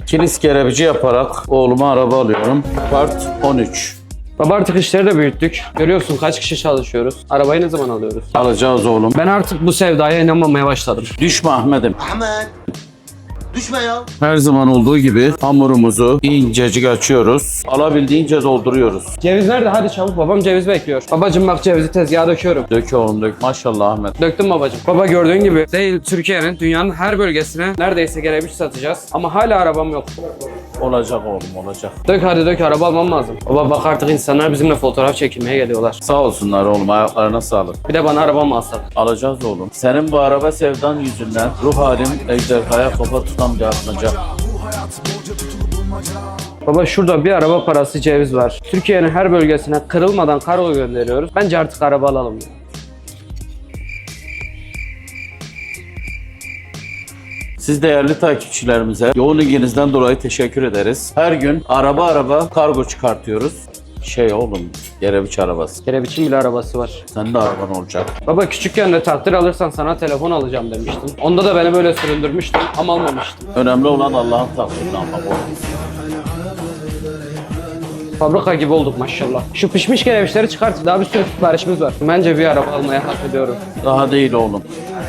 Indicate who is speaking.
Speaker 1: Kilis kerebici yaparak oğluma araba alıyorum. Part 13.
Speaker 2: Baba artık işleri de büyüttük. Görüyorsun kaç kişi çalışıyoruz. Arabayı ne zaman alıyoruz?
Speaker 1: Alacağız oğlum.
Speaker 2: Ben artık bu sevdaya inanmamaya başladım.
Speaker 1: Düşme Ahmet'im.
Speaker 3: Ahmet. Düşme ya.
Speaker 1: Her zaman olduğu gibi hamurumuzu incecik açıyoruz. Alabildiğince dolduruyoruz.
Speaker 2: Ceviz nerede? Hadi çabuk, babam ceviz bekliyor. Babacım bak, cevizi tezgaha döküyorum.
Speaker 1: Dök oğlum dök. Maşallah Ahmet.
Speaker 2: Döktüm babacım. Baba gördüğün gibi değil, Türkiye'nin, dünyanın her bölgesine neredeyse kerebiç satacağız. Ama hala arabam yok.
Speaker 1: Olacak oğlum olacak.
Speaker 2: Dök hadi dök, araba almam lazım. Baba bak, artık insanlar bizimle fotoğraf çekilmeye geliyorlar.
Speaker 1: Sağ olsunlar oğlum, ayaklarına sağlık.
Speaker 2: Bir de bana araba mı alsak?
Speaker 1: Alacağız oğlum. Senin bu araba sevdan yüzünden ruh halim ejderhaya kafa tutan bir atmaca.
Speaker 2: Baba şurada bir araba parası ceviz var. Türkiye'nin her bölgesine kırılmadan kargo gönderiyoruz. Bence artık araba alalım.
Speaker 1: Siz değerli takipçilerimize yoğun ilginizden dolayı teşekkür ederiz. Her gün araba kargo çıkartıyoruz. Oğlum, kerebiç arabası.
Speaker 2: Kerebiç'in bile arabası var.
Speaker 1: Senin de araban olacak.
Speaker 2: Baba küçükken de takdir alırsan sana telefon alacağım demiştin. Onda da beni böyle süründürmüştün ama almamıştım.
Speaker 1: Önemli olan Allah'ın takdirini almak oğlum.
Speaker 2: Fabrika gibi olduk maşallah. Şu pişmiş kerebiçleri çıkart. Daha bir sürü siparişimiz var. Bence bir araba almaya hak ediyorum.
Speaker 1: Daha değil oğlum.